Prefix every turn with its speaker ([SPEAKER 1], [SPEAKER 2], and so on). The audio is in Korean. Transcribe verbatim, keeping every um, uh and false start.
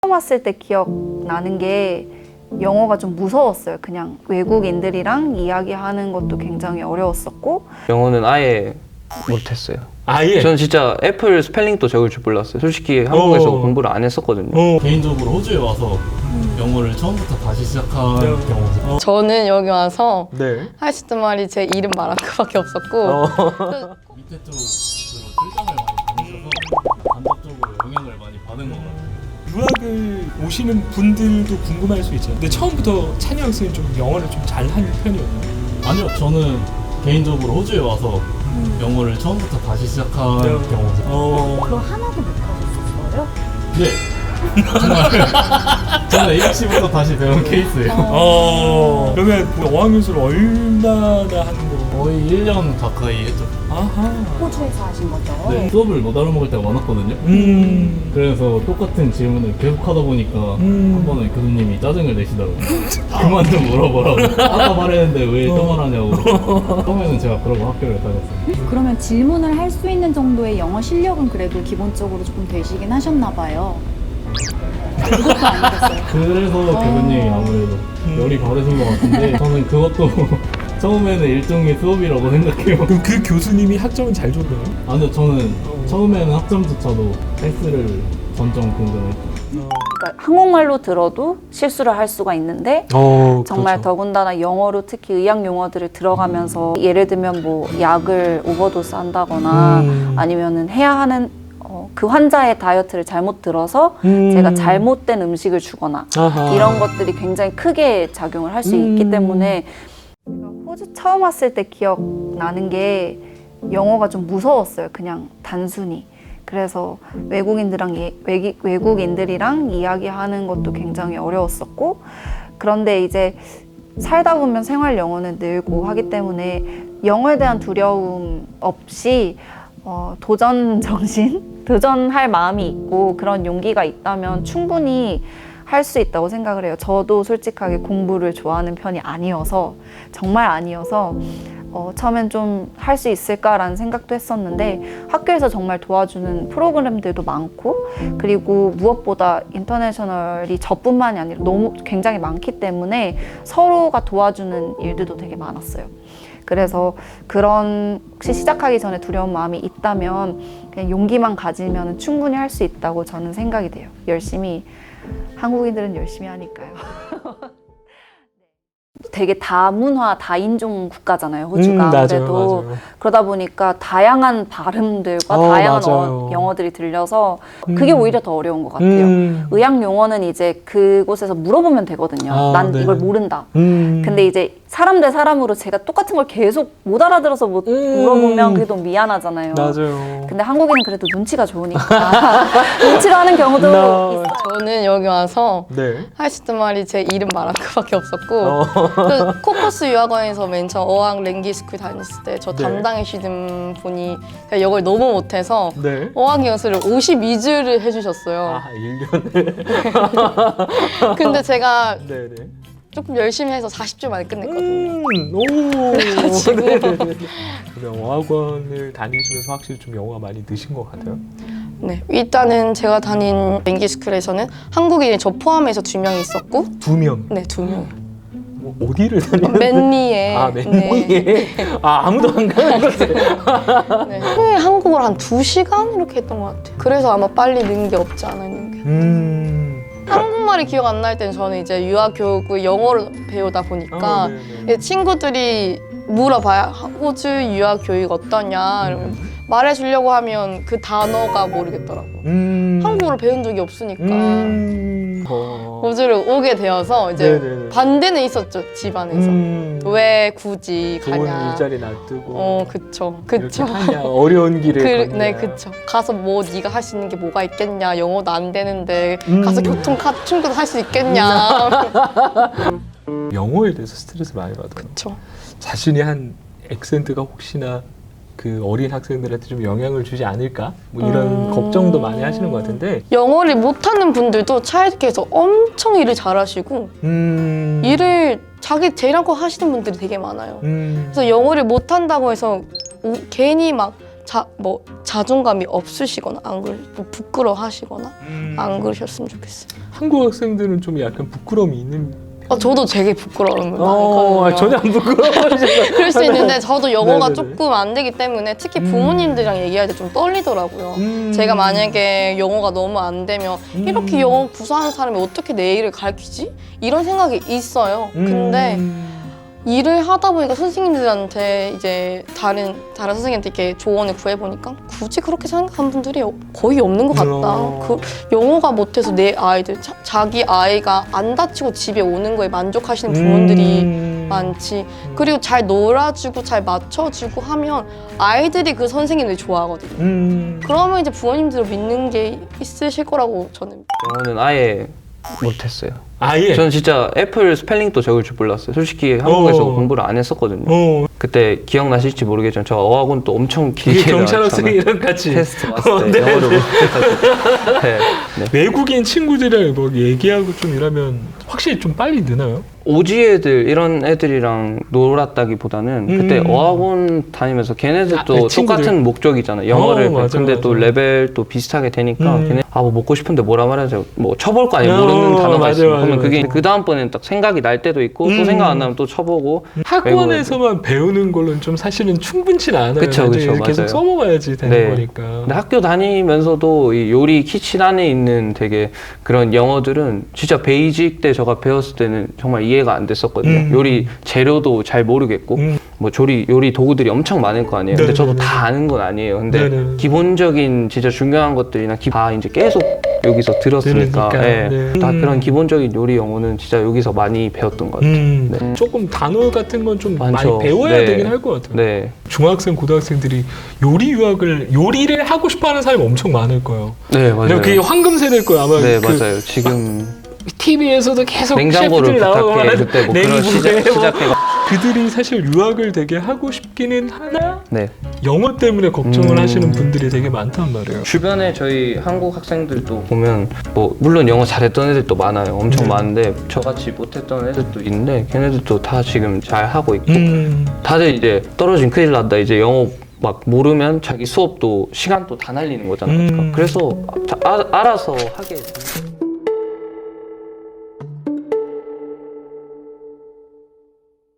[SPEAKER 1] 처음 왔을 때 기억나는 게 영어가 좀 무서웠어요. 그냥 외국인들이랑 이야기하는 것도 굉장히 어려웠었고
[SPEAKER 2] 영어는 아예 못했어요.
[SPEAKER 3] 아예?
[SPEAKER 2] 저는 진짜 애플 스펠링도 적을 줄 몰랐어요. 솔직히 한국에서
[SPEAKER 3] 어.
[SPEAKER 2] 공부를 안 했었거든요.
[SPEAKER 3] 어.
[SPEAKER 4] 개인적으로 호주에 와서 영어를 처음부터 다시 시작한
[SPEAKER 3] 네.
[SPEAKER 4] 경우죠.
[SPEAKER 5] 저는 여기 와서
[SPEAKER 3] 네.
[SPEAKER 5] 할 수 있는 말이 제 이름 말한 것밖에 없었고
[SPEAKER 3] 어.
[SPEAKER 4] 밑에 쪽으로 출장을 많이 다니셔서 간접적으로 영향을 많이 받은 것 같아요.
[SPEAKER 3] 유학을 오시는 분들도 궁금할 수 있잖아요. 근데 처음부터 찬이 학생이 좀 영어를 좀 잘하는 편이었나요?
[SPEAKER 4] 아니요, 저는 개인적으로 호주에 와서 영어를 처음부터 다시 시작한
[SPEAKER 3] 네.
[SPEAKER 4] 경우죠.
[SPEAKER 3] 어.
[SPEAKER 1] 그거 하나도 못하셨었어요?
[SPEAKER 4] 네. 정말 저는 에이비씨부터 다시 배운 케이스예요.
[SPEAKER 3] 어. 그러면 그 어학연수를 얼마나 하는 거?
[SPEAKER 4] 거의 일 년 가까이 했죠.
[SPEAKER 3] 아하.
[SPEAKER 1] 호주에서 하신 거죠?
[SPEAKER 4] 네. 수업을 못 알아먹을 때가 많았거든요.
[SPEAKER 3] 음.
[SPEAKER 4] 그래서 똑같은 질문을 계속 하다 보니까
[SPEAKER 3] 음.
[SPEAKER 4] 한 번은 교수님이 짜증을 내시더라고요. 그만 좀 물어보라고. 아까 말했는데 왜 또 말하냐고. 처음에는 제가 그러고 학교를 다녔어요.
[SPEAKER 6] 그러면 질문을 할 수 있는 정도의 영어 실력은 그래도 기본적으로 조금 되시긴 하셨나 봐요. 그것도 아니겠어요.
[SPEAKER 4] 그래서 교수님이 아무래도 열이 받으신 것 같은데 저는 그것도 처음에는 일종의 수업이라고 생각해요.
[SPEAKER 3] 그럼 그 교수님이 학점은 잘 줬나요?
[SPEAKER 4] 아니요, 저는 처음에는 학점조차도 패스를 전점 근근했죠.
[SPEAKER 1] 그러니까 한국말로 들어도 실수를 할 수가 있는데
[SPEAKER 3] 어,
[SPEAKER 1] 정말 더군다나 영어로 특히 의학 용어들을 들어가면서 예를 들면 뭐 약을 오버도스 한다거나
[SPEAKER 3] 음.
[SPEAKER 1] 아니면은 해야 하는 어, 그 환자의 다이어트를 잘못 들어서
[SPEAKER 3] 음.
[SPEAKER 1] 제가 잘못된 음식을 주거나
[SPEAKER 3] 아하.
[SPEAKER 1] 이런 것들이 굉장히 크게 작용을 할 수
[SPEAKER 3] 음.
[SPEAKER 1] 있기 때문에 호주 처음 왔을 때 기억나는 게 영어가 좀 무서웠어요. 그냥 단순히. 그래서 외국인들랑 예, 외기, 외국인들이랑 이야기하는 것도 굉장히 어려웠었고 그런데 이제 살다 보면 생활 영어는 늘고 하기 때문에 영어에 대한 두려움 없이 어, 도전 정신, 도전할 마음이 있고 그런 용기가 있다면 충분히 할 수 있다고 생각을 해요. 저도 솔직하게 공부를 좋아하는 편이 아니어서 정말 아니어서 어, 처음엔 좀 할 수 있을까라는 생각도 했었는데 학교에서 정말 도와주는 프로그램들도 많고 그리고 무엇보다 인터내셔널이 저뿐만이 아니라 너무 굉장히 많기 때문에 서로가 도와주는 일들도 되게 많았어요. 그래서 그런 혹시 시작하기 전에 두려운 마음이 있다면 그냥 용기만 가지면 충분히 할 수 있다고 저는 생각이 돼요. 열심히 한국인들은 열심히 하니까요. 되게 다문화, 다인종 국가잖아요, 호주가.
[SPEAKER 3] 음, 맞아요,
[SPEAKER 1] 그래도
[SPEAKER 3] 맞아요.
[SPEAKER 1] 그러다 보니까 다양한 발음들과
[SPEAKER 3] 어,
[SPEAKER 1] 다양한
[SPEAKER 3] 맞아요.
[SPEAKER 1] 어, 영어들이 들려서 그게
[SPEAKER 3] 음.
[SPEAKER 1] 오히려 더 어려운 것 같아요.
[SPEAKER 3] 음.
[SPEAKER 1] 의학 용어는 이제 그곳에서 물어보면 되거든요.
[SPEAKER 3] 아,
[SPEAKER 1] 난
[SPEAKER 3] 네.
[SPEAKER 1] 이걸 모른다.
[SPEAKER 3] 음.
[SPEAKER 1] 근데 이제 사람 대 사람으로 제가 똑같은 걸 계속 못 알아들어서 못
[SPEAKER 3] 음.
[SPEAKER 1] 물어보면 그게 너무 미안하잖아요.
[SPEAKER 3] 맞아요.
[SPEAKER 1] 근데 한국인은 그래도 눈치가 좋으니까 눈치로 하는 경우도
[SPEAKER 3] 나-
[SPEAKER 1] 있어요.
[SPEAKER 5] 저는 여기 와서
[SPEAKER 3] 네.
[SPEAKER 5] 할 수 있는 말이 제 이름 말한 것밖에 없었고
[SPEAKER 3] 어.
[SPEAKER 5] 그 코커스 유학원에서 맨 처음 어학 랭귀 스쿨 다녔을 때 저
[SPEAKER 3] 네.
[SPEAKER 5] 담당해주시는 분이 제가 영어를 너무 못해서
[SPEAKER 3] 네.
[SPEAKER 5] 어학 연수를 오십이 주를 해주셨어요.
[SPEAKER 3] 아, 일 년을.
[SPEAKER 5] 근데 제가
[SPEAKER 3] 네, 네.
[SPEAKER 5] 조금 열심히 해서 사십 주 만에 끝냈거든요.
[SPEAKER 3] 음, 오.
[SPEAKER 5] 그래가지고.
[SPEAKER 3] 네, 네, 네. 그럼 어학원을 다니시면서 확실히 좀 영어가 많이 느신 것 같아요.
[SPEAKER 5] 네, 일단은 제가 다닌 랭귀 스쿨에서는 한국인이 저 포함해서 두 명 있었고,
[SPEAKER 3] 두 명.
[SPEAKER 5] 네, 두 명.
[SPEAKER 3] 뭐 어디를 다니는?
[SPEAKER 5] 맨리에.
[SPEAKER 3] 아, 맨리에. 아, 아무도 안 가는 곳에.
[SPEAKER 5] 네. 하루에 한국어를 한 두 시간 이렇게 했던 것 같아요. 그래서 아마 빨리 는 게 없지 않아 있는 게.
[SPEAKER 3] 음.
[SPEAKER 5] 한국말이 기억 안 날 때는 저는 이제 유학 교육을 영어를 배우다 보니까
[SPEAKER 3] 어, 네, 네.
[SPEAKER 5] 친구들이 물어봐요. 호주 유학 교육 어떠냐? 이러면 말해주려고 하면 그 단어가 모르겠더라고.
[SPEAKER 3] 음.
[SPEAKER 5] 한국어를 배운 적이 없으니까.
[SPEAKER 3] 음. 어.
[SPEAKER 5] 호주를 오게 되어서 이제
[SPEAKER 3] 네네네.
[SPEAKER 5] 반대는 있었죠, 집안에서.
[SPEAKER 3] 음.
[SPEAKER 5] 왜 굳이
[SPEAKER 3] 좋은
[SPEAKER 5] 가냐.
[SPEAKER 3] 일자리 놔두고.
[SPEAKER 5] 어, 그쵸. 그쵸.
[SPEAKER 3] 이렇게 하냐, 어려운 길을
[SPEAKER 5] 그,
[SPEAKER 3] 걷냐.
[SPEAKER 5] 네, 그쵸. 가서 뭐 네가 할 수 있는 게 뭐가 있겠냐. 영어도 안 되는데
[SPEAKER 3] 음.
[SPEAKER 5] 가서 교통카 충분히 할 수 있겠냐.
[SPEAKER 3] 영어에 대해서 스트레스 많이 받아요.
[SPEAKER 5] 그쵸.
[SPEAKER 3] 자신이 한 액센트가 혹시나 그 어린 학생들한테 좀 영향을 주지 않을까? 뭐 이런
[SPEAKER 5] 음.
[SPEAKER 3] 걱정도 많이 하시는 것 같은데.
[SPEAKER 5] 영어를 못하는 분들도 차이드께서 엄청 일을 잘하시고
[SPEAKER 3] 음.
[SPEAKER 5] 일을 자기 제일 않고 하시는 분들이 되게 많아요.
[SPEAKER 3] 음.
[SPEAKER 5] 그래서 영어를 못한다고 해서 우- 괜히 막 자, 뭐 자존감이 없으시거나 안 그러, 뭐 부끄러워하시거나
[SPEAKER 3] 음.
[SPEAKER 5] 안 그러셨으면 좋겠어요.
[SPEAKER 3] 한국 학생들은 좀 약간 부끄러움이 있는.
[SPEAKER 5] 어, 저도 되게 부끄러움이
[SPEAKER 3] 어,
[SPEAKER 5] 많거든요.
[SPEAKER 3] 전혀 안 부끄러워하시죠.
[SPEAKER 5] 그럴 수 있는데 저도 영어가
[SPEAKER 3] 네네네.
[SPEAKER 5] 조금 안 되기 때문에 특히
[SPEAKER 3] 음.
[SPEAKER 5] 부모님들이랑 얘기할 때 좀 떨리더라고요.
[SPEAKER 3] 음.
[SPEAKER 5] 제가 만약에 영어가 너무 안 되면
[SPEAKER 3] 음.
[SPEAKER 5] 이렇게 영어 구사하는 사람이 어떻게 내 일을 가르치지? 이런 생각이 있어요. 근데
[SPEAKER 3] 음.
[SPEAKER 5] 일을 하다 보니까 선생님들한테 이제 다른 다른 선생님한테 이렇게 조언을 구해보니까 굳이 그렇게 생각하는 분들이 거의 없는 것 같다.
[SPEAKER 3] 어.
[SPEAKER 5] 그 영어가 못해서 내 아이들 자, 자기 아이가 안 다치고 집에 오는 거에 만족하시는 부모들이
[SPEAKER 3] 음.
[SPEAKER 5] 많지. 그리고 잘 놀아주고 잘 맞춰주고 하면 아이들이 그 선생님들 좋아하거든요.
[SPEAKER 3] 음.
[SPEAKER 5] 그러면 이제 부모님들을 믿는 게 있으실 거라고 저는.
[SPEAKER 2] 영어는 아예 못했어요.
[SPEAKER 3] 아예.
[SPEAKER 2] 저는 진짜 애플 스펠링도 적을 줄 몰랐어요. 솔직히 한국에서
[SPEAKER 3] 어.
[SPEAKER 2] 공부를 안 했었거든요.
[SPEAKER 3] 어.
[SPEAKER 2] 그때 기억나실지 모르겠지만 저 어학원 또 엄청
[SPEAKER 3] 이게
[SPEAKER 2] 길게
[SPEAKER 3] 경찰
[SPEAKER 2] 나왔잖아요.
[SPEAKER 3] 학생이랑 같이
[SPEAKER 2] 테스트 왔을
[SPEAKER 3] 어,
[SPEAKER 2] 때
[SPEAKER 3] 네,
[SPEAKER 2] 영어를
[SPEAKER 3] 네.
[SPEAKER 2] 못해가지고 네, 네.
[SPEAKER 3] 외국인 친구들이랑 뭐 얘기하고 좀 이러면 확실히 좀 빨리 느나요?
[SPEAKER 2] 오지 애들 이런 애들이랑 놀았다기보다는
[SPEAKER 3] 음.
[SPEAKER 2] 그때 어학원 다니면서 걔네들도
[SPEAKER 3] 아, 그 친구들.
[SPEAKER 2] 똑같은 목적이잖아요. 영어를
[SPEAKER 3] 어, 맞아요,
[SPEAKER 2] 근데 또
[SPEAKER 3] 맞아요.
[SPEAKER 2] 레벨 또 비슷하게 되니까
[SPEAKER 3] 음.
[SPEAKER 2] 걔네 아 뭐 먹고 싶은데 뭐라 말하죠. 뭐 쳐볼 거 아니에요.
[SPEAKER 3] 어,
[SPEAKER 2] 모르는 단어가
[SPEAKER 3] 맞아요,
[SPEAKER 2] 있으면
[SPEAKER 3] 맞아요,
[SPEAKER 2] 그러면 그게
[SPEAKER 3] 맞아요.
[SPEAKER 2] 그 다음번에는 딱 생각이 날 때도 있고
[SPEAKER 3] 음.
[SPEAKER 2] 또 생각 안 나면 또 쳐보고
[SPEAKER 3] 학원에서만 배우는 걸로는 좀 사실은 충분치 않아요.
[SPEAKER 2] 그쵸,
[SPEAKER 3] 나중에
[SPEAKER 2] 그쵸,
[SPEAKER 3] 계속
[SPEAKER 2] 맞아요.
[SPEAKER 3] 써먹어야지 되는
[SPEAKER 2] 네.
[SPEAKER 3] 거니까.
[SPEAKER 2] 근데 학교 다니면서도 이 요리 키친 안에 있는 되게 그런 영어들은 진짜 베이직 때 제가 배웠을 때는 정말 이해가 안 됐었거든요.
[SPEAKER 3] 음.
[SPEAKER 2] 요리 재료도 잘 모르겠고
[SPEAKER 3] 음.
[SPEAKER 2] 뭐 조리 요리 도구들이 엄청 많을 거 아니에요. 근데 저도
[SPEAKER 3] 네네네.
[SPEAKER 2] 다 아는 건 아니에요. 근데
[SPEAKER 3] 네네.
[SPEAKER 2] 기본적인 진짜 중요한 것들이나 기- 다 이제 계속 여기서 들었으니까
[SPEAKER 3] 들으니까.
[SPEAKER 2] 예.
[SPEAKER 3] 네.
[SPEAKER 2] 다
[SPEAKER 3] 음.
[SPEAKER 2] 그런 기본적인 요리 영어는 진짜 여기서 많이 배웠던 것 같아요.
[SPEAKER 3] 음.
[SPEAKER 2] 네.
[SPEAKER 3] 조금 단어 같은 건 좀 많이
[SPEAKER 2] 많죠.
[SPEAKER 3] 배워야
[SPEAKER 2] 네.
[SPEAKER 3] 되긴 할 것 같아요.
[SPEAKER 2] 네,
[SPEAKER 3] 중학생, 고등학생들이 요리 유학을 요리를 하고 싶어하는 사람이 엄청 많을 거예요.
[SPEAKER 2] 네 맞아요.
[SPEAKER 3] 근데 그게 황금 세대일 거예요. 아마
[SPEAKER 2] 네
[SPEAKER 3] 그
[SPEAKER 2] 맞아요. 지금
[SPEAKER 3] 티비에서도 계속
[SPEAKER 2] 냉장고를
[SPEAKER 3] 셰프들이 나오고
[SPEAKER 2] 부탁해
[SPEAKER 3] 하는
[SPEAKER 2] 그때 뭐 그런
[SPEAKER 3] 냉부에
[SPEAKER 2] 시작
[SPEAKER 3] 뭐
[SPEAKER 2] 시작해가
[SPEAKER 3] 그들이 사실 유학을 되게 하고 싶기는 하나
[SPEAKER 2] 네.
[SPEAKER 3] 영어 때문에 걱정을
[SPEAKER 2] 음.
[SPEAKER 3] 하시는 분들이 되게 많단 말이에요.
[SPEAKER 2] 주변에 저희 한국 학생들도 보면 뭐 물론 영어 잘했던 애들도 많아요. 엄청
[SPEAKER 3] 네.
[SPEAKER 2] 많은데 저같이 못했던 애들도 있는데 걔네들도 다 지금 잘 하고 있고
[SPEAKER 3] 음.
[SPEAKER 2] 다들 이제 떨어진 큰일 났다. 이제 영어 막 모르면 자기 수업도 시간도 다 날리는 거잖아요.
[SPEAKER 3] 음.
[SPEAKER 2] 그래서 자- 아, 알아서 하게 돼요.